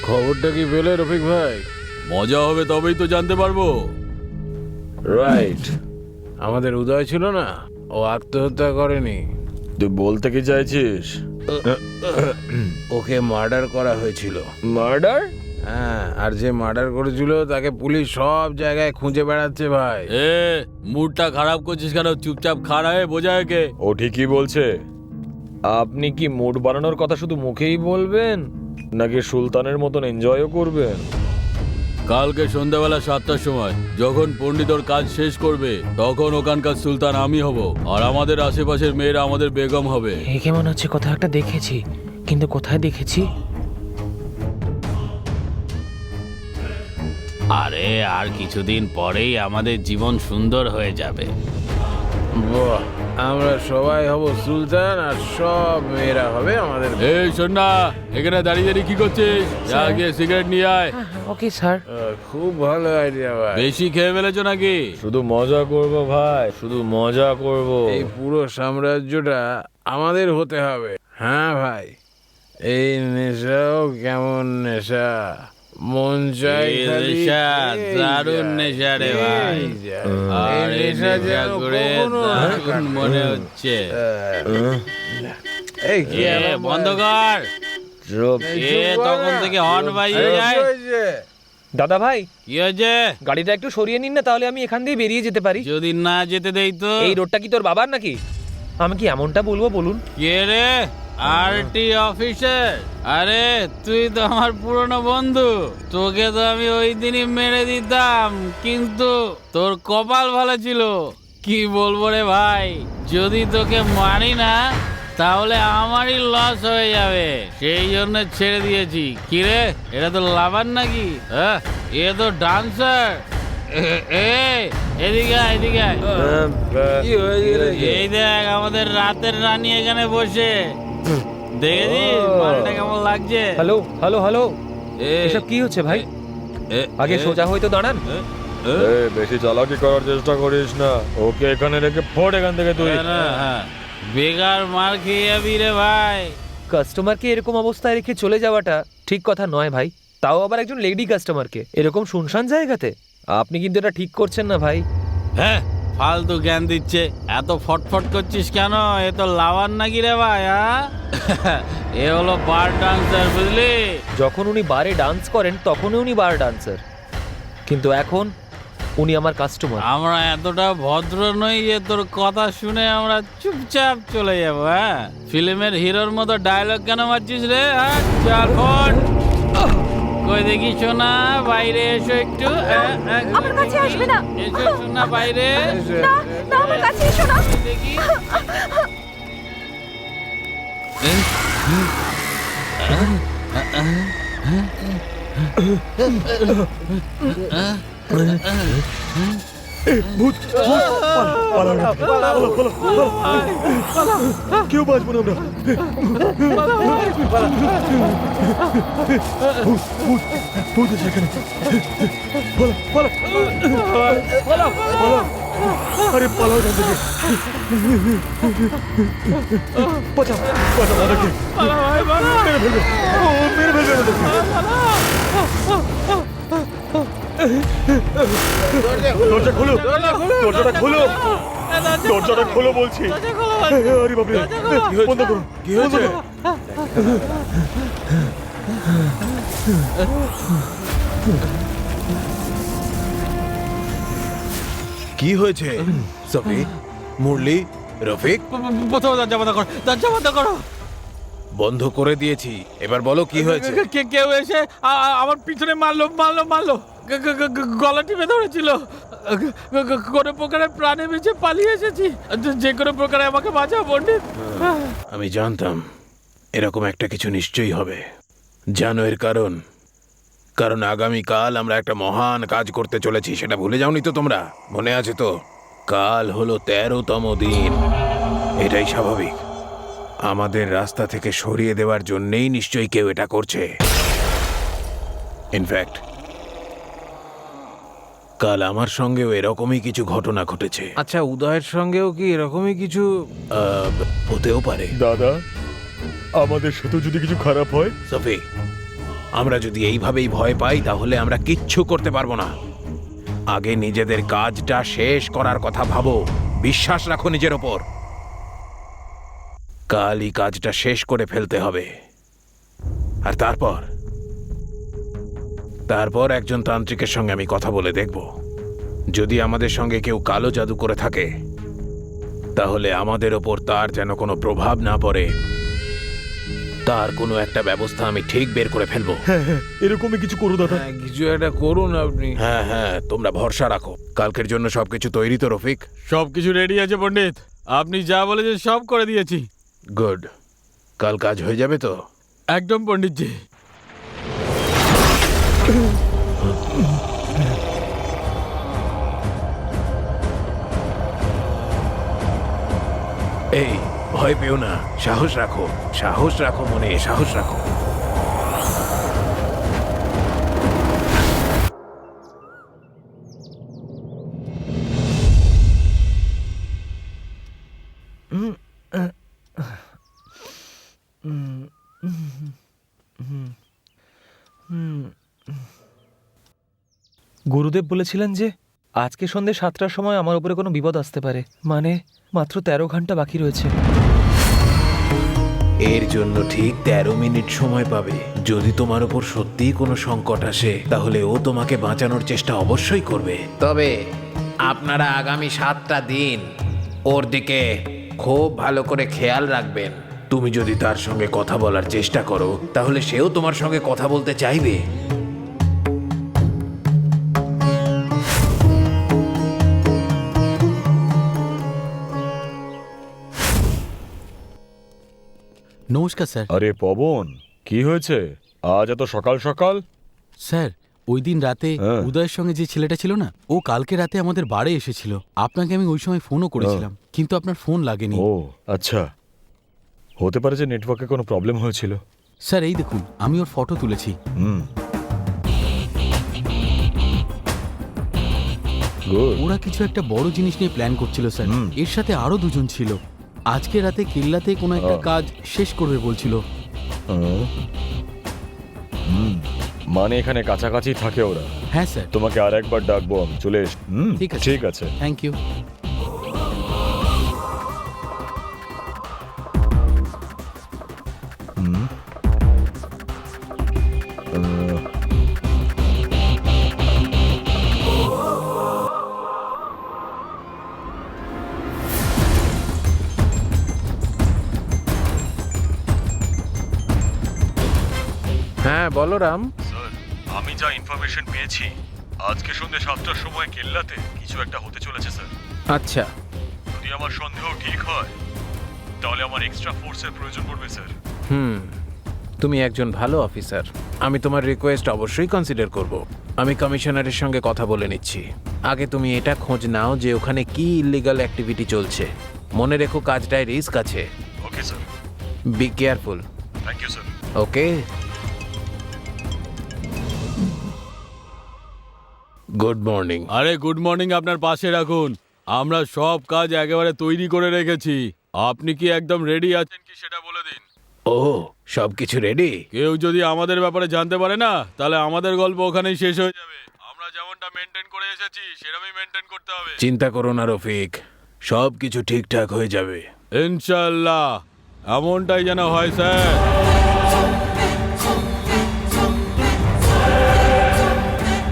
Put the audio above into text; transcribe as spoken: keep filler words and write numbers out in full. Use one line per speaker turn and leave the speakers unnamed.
খবরটা কি পেলে রফিক ভাই?
মজা হবে তবেই তো জানতে পারবো।
রাইট, আমাদের উদয় ছিল না, ও আত্মহত্যা করেনি।
তুই বলতে কি চাইছিস?
ওকে মার্ডার করা হয়েছিল।
মার্ডার?
হ্যাঁ, আর যে মার্ডার করেছিল তাকে পুলিশ সব জায়গায় খুঁজে বেড়াচ্ছে ভাই।
এ মুডটা খারাপ করছিস কেন? চুপচাপ খাড়া হয়ে বোঝা একে।
ও ঠিকই বলছে। আপনি কি মুড বানানোর কথা শুধু মুখেই বলবেন নাকি সুলতানের মতন এনজয়ও করবেন?
কালকে সন্ধ্যাবেলা সাতটার সময় যখন পণ্ডিত ওর কাজ শেষ করবে তখন ওখানকার সুলতান আমি হব, আর আমাদের আশেপাশের মেয়েরা আমাদের বেগম হবে।
একে মনে হচ্ছে কোথাও একটা দেখেছি, কিন্তু কোথায় দেখেছি?
আরে আর কিছুদিন পরেই আমাদের জীবন সুন্দর হয়ে যাবে।
বাহ, আমরা সবাই হব সুলতান আর সব মেয়েরা হবে আমাদের।
এই শোন না, এখানে দাঁড়িয়ে দাঁড়িয়ে কি করছিস? যা গিয়ে সিগারেট নিয়ে আয়।
Okay sir.
আহ, খুব ভালো আইডিয়া ভাই।
বেশি খেয়ে ফেলেছো নাকি?
শুধু মজা করব ভাই, শুধু মজা করব।
এই পুরো সাম্রাজ্যটা আমাদের হতে হবে। হ্যাঁ ভাই, এই নেশাও কেমন নেশা, মন চাই
এই
খালি
নেশা,
খেয়ে
দারুণ
যায়,
নেশা রে
খেয়ে
ভাই।
যায়।
আর
এই
এই
নেশা
নেশা
যেন
করে
কখনো না
দারুণ
কাটবে।
মনে হচ্ছে।
এই কি
এ
আরাম
বন্ধ
ভাই।
কর।
চুপ।
এই
এ
চুপ কর
তখন
না।
থেকে হর্ন বাজিয়ে
আরে,
যায়।
কি হয়েছে?
দাদা ভাই,
কি হয়েছে?
গাড়িটা একটু সরিয়ে নিন না, তাহলে আমি এখান দিয়ে বেরিয়ে যেতে পারি।
যদি না যেতে দেই তো?
এই রোডটা কি তোর বাবার নাকি? আমি কি এমনটা বলবো বলুন?
কে রে? RT officer? আরে তুই তো আমার পুরনো বন্ধু, তোকে তো আমি ওই দিনই মেরে দিতাম, কিন্তু তোর কপাল ভালো ছিল। কি বলবো রে ভাই, যদি তোকে মারি না তাহলে আমারই লস হয়ে যাবে, সেই জন্য ছেড়ে দিয়েছি। কি রে, এটা তো লাভার নাকি? হ্যাঁ, এ তো ডান্সার। এদিকে আয়, এদিকে আয়।
কি হয়েছে রে?
এই দেখ আমাদের রাতের রানী এখানে বসে, দেখেছিস মালটা কেমন লাগছে?
হ্যালো হ্যালো হ্যালো,
এ,
এসব কি হচ্ছে ভাই?
এ,
আগে
এ,
সোজা হয়তো দাঁড়ান।
এ,
এই বেশি চালাকি করার চেষ্টা করিস না। ওকে এখানে রেখে ফোড় এখান থেকে তুই।
হ্যাঁ, না, হ্যাঁ, বেকার মার খেয়ে যাবি রে ভাই।
কাস্টমারকে এরকম অবস্থায় রেখে চলে যাওয়াটা ঠিক কথা নয় ভাই, তাও আবার একজন লেডি কাস্টমারকে এরকম শুনশান জায়গাতে। আপনি কিন্তু এটা ঠিক করছেন না ভাই।
হ্যাঁ, ফালতু জ্ঞান দিচ্ছে। এত ফটফট করছিস কেন? এ তো লাভার নাকি রে ভাই? হ্যাঁ, এ হলো বার ডান্সার, বুঝলি?
যখন উনি বারে ডান্স করেন তখনই উনি বার ডান্সার, কিন্তু এখন উনি আমার কাস্টমার।
আমরা এতটা ভদ্র নই যে তোর কথা শুনে আমরা চুপচাপ চলে যাব। হ্যাঁ, ফিল্মের হিরোর মতো ডায়লগ কেন মারছিস রে? হ্যাঁ, চল ফোন। কই দেখি শোনা, বাইরে এসো একটু। হ্যাঁ, হ্যাঁ,
আমার কাছে আসবে না।
এসো শোনা বাইরে।
না না, আমার কাছে এসো না।
দেখি।
কেউ বাঁচবো না আমরা। ভূত আছে এখানে। পালা, পালা, পালা। আরে পালাও এখান থেকে। বাঁচাও, বাঁচাও আমাদেরকে। মেরে ফেলবে। ও মেরে ফেলবে আমাদেরকে। দরজা খোলো, দরজাটা খোলো, দরজাটা খোলো বলছি। আরে বাপরে, বন্ধ করো,
কি হয়েছে? কি হয়েছে? সফি, মুরলি, রফিক,
প্রথমে দরজা বন্ধ করো, দরজা বন্ধ করো।
বন্ধ করে দিয়েছি, এবার বলো কি হয়েছে?
কে কেউ এসে আ- আ- আমার পিছনে মারলো মারলো মারলো গ- গ- গ- গ- গলা টিপে ধরেছিল। গ- গ- গ- কোনো প্রকারে প্রাণে বেঁচে পালিয়ে এসেছি। যে- যে কোনো প্রকারে আমাকে বাঁচাও পণ্ডিত।
আমি জানতাম এরকম একটা কিছু নিশ্চয়ই হবে। জানো এর কারণ? কারণ আগামীকাল আমরা একটা মহান কাজ করতে চলেছি, সেটা ভুলে যাওনি তো তোমরা? মনে আছে তো? কাল হলো তেরোতম দিন। এটাই স্বাভাবিক। আমাদের রাস্তা থেকে সরিয়ে দেওয়ার জন্যেই নিশ্চয়ই কেউ এটা করছে। ইনফ্যাক্ট কাল আমার সঙ্গেও এরকমই কিছু ঘটনা ঘটেছে। আচ্ছা, উদয়ের সঙ্গেও কি এরকমই কিছু আহ, হতেও পারে?
দাদা, আমাদের সাথে যদি কিছু খারাপ হয়?
সফি, আমরা যদি এইভাবেই ভয় পাই তাহলে আমরা কিচ্ছু করতে পারবো না। আগে নিজেদের কাজটা শেষ করার কথা ভাবো, বিশ্বাস রাখো নিজের ওপর। কালই কাজটা শেষ করে ফেলতে হবে। আর তারপর তারপর একজন তান্ত্রিকের সঙ্গে আমি কথা বলে দেখব। যদি আমাদের সঙ্গে কেউ কালো জাদু করে থাকে তাহলে আমাদের ওপর তার যেন কোনো প্রভাব না পড়ে, তার কোনো একটা ব্যবস্থা আমি ঠিক বের করে ফেলবো।
এরকমই কিছু করো দাদা।
কিছু একটা করুন আপনি। হ্যাঁ হ্যাঁ, তোমরা ভরসা রাখো। কালকের জন্য সবকিছু তৈরি তো রফিক?
সব কিছু রেডি আছে পণ্ডিত, আপনি যা বলেছেন সব করে দিয়েছি।
গুড। কাল কাজ হয়ে যাবে তো?
একদম পণ্ডিতজি।
এই, ভয় পেও না, সাহস রাখো, সাহস রাখো মনে, সাহস রাখো।
গুরুদেব বলেছিলেন যে আজকে সন্ধ্যে সাতটার সময় আমার উপরে কোনো বিপদ আসতে পারে, মানে মাত্র তেরো ঘন্টা বাকি রয়েছে।
এর জন্য ঠিক তেরো মিনিট সময় পাবে। যদি তোমার উপর সত্যিই কোনো সংকট আসে তাহলে ও তোমাকে বাঁচানোর চেষ্টা অবশ্যই করবে। তবে আপনারা আগামী সাতটা দিন ওর দিকে খুব ভালো করে খেয়াল রাখবেন। তুমি যদি তার সঙ্গে কথা বলার চেষ্টা করো তাহলে সেও তোমার সঙ্গে কথা বলতে চাইবে।
নমস্কার স্যার।
আরে পবন, কি হয়েছে আজ এত সকাল সকাল?
স্যার, ওই দিন রাতে
হ্যাঁ।
উদয়ের সঙ্গে যে ছেলেটা ছিল না, ও কালকে রাতে আমাদের বাড়ি এসেছিল। আপনাকে আমি ওই সময় ফোনও করেছিলাম, কিন্তু আপনার ফোন লাগেনি।
ও আচ্ছা, হতে পারে যে নেটওয়ার্কে কোনো প্রবলেম হয়েছিল।
স্যার এই দেখুন, আমি ওর ফটো তুলেছি।
হুম, গুড।
ওরা কিছু একটা বড় জিনিস নিয়ে প্ল্যান করছিল স্যার।
হুম।
এর সাথে আরো দুজন ছিল। আজকে রাতে কেল্লাতে কোনো একটা
আহ।
কাজ শেষ করবে বলছিল।
হুম, মানে এখানে কাছাকাছি থাকে ওরা।
হ্যাঁ স্যার।
তোমাকে আর একবার ডাকবো, আমি চলে এস। হুম,
ঠিক আছে।
ঠিক আছে।
Thank you.
হুম, আহ,
হ্যাঁ বলো রাম।
স্যার, আমি যা ইনফরমেশন পেয়েছি আজকে সন্ধ্যে সাতটার সময় কেল্লাতে কিছু একটা হতে চলেছে স্যার।
আচ্ছা।
যদি আমার সন্দেহ ঠিক হয় তাহলে আমার এক্সট্রা ফোর্সের প্রয়োজন পড়বে স্যার।
হুম, তুমি একজন ভালো অফিসার। আমি তোমার রিকোয়েস্ট অবশ্যই কনসিডার করব। আমি কমিশনারের সঙ্গে কথা বলে নিচ্ছি। আগে তুমি এটা খোঁজ নাও যে ওখানে কি ইলিগাল অ্যাক্টিভিটি চলছে। মনে রেখো কাজটায় রিস্ক আছে।
Okay sir.
Be careful.
Thank you sir.
Okay. Good morning.
আরে গুড মর্নিং আপনার পাশে রাখুন। আমরা সব কাজ একেবারে তৈরি করে রেখেছি। আপনি কি একদম রেডি আছেন কি সেটা বলে দিন।
ও, সব কিছু রেডি?
কেউ যদি আমাদের ব্যাপারে জানতে পারে না তাহলে আমাদের গল্প ওখানেই শেষ হয়ে যাবে। আমরা যেমনটা মেনটেন করে এসেছি সেরকমই মেনটেন করতে হবে।
চিন্তা করো না রফিক, সব কিছু ঠিকঠাক হয়ে যাবে।
ইনশাআল্লাহ, এমনটাই যেন হয় স্যার।